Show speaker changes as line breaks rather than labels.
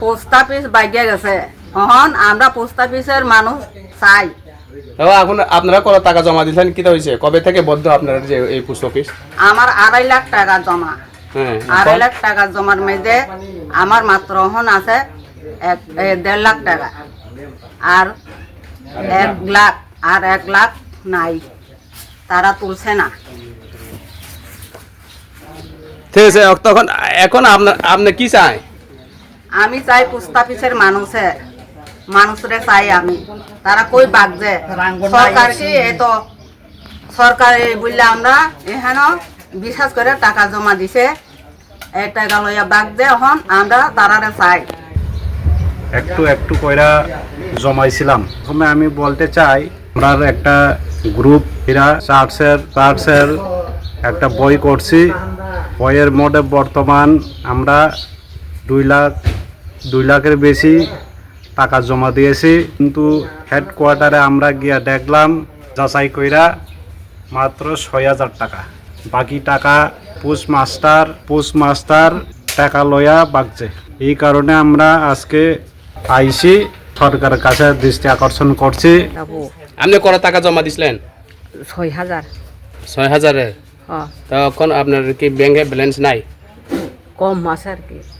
Post office বাইকে গেছে, এখন আমরা পোস্ট অফিসের মানুষ চাই।
এখন আপনারা কত টাকা জমা দিয়েছেন, কি হয়েছে, কবে থেকে বদ্ধ আপনার যে এই পোস্ট অফিস?
আমার 2.5 লাখ টাকা জমা।
হ্যাঁ,
2.5 লাখ টাকা জমার মধ্যে আমার মাত্র এখন আছে 1.5 লাখ টাকা, আর 1 লাখ নাই, তারা তুলছে না।
ঠিক আছে, তখন এখন আপনি কি চাই?
আমি চাই পোস্ট অফিসের মানুষরে চাই আমি, তারা কই বাগছে সরকার কি এত সরকার বললে আমরা এখানে বিশ্বাস করে টাকা জমা দিছে, এই টাকা লইয়া বাগছে, এখন আমরা তারারে চাই।
একটু একটু কইরা জমাইছিলাম। প্রথমে আমি বলতে চাই, আমরা একটা গ্রুপ এরা চার্চের একটা বই করছি। বইয়ের মধ্যে বর্তমান আমরা 2 লাখের বেশি টাকা জমা দিয়েছি, কিন্তু হেডকোয়ার্টারে আমরা গিয়া দেখলাম যাচাই কইরা মাত্র 6,000 টাকা। বাকি টাকা পোস্টমাস্টার টাকা লয়া বাগছে। এই কারণে আমরা আজকে আইসি সরকারের কাছে দৃষ্টি আকর্ষণ করছি।
আপনি কত টাকা জমা দিছিলেন?
6,000।
6,000। তখন আপনার কি ব্যাংকে ব্যালেন্স নাই?
কম আছে আর কি।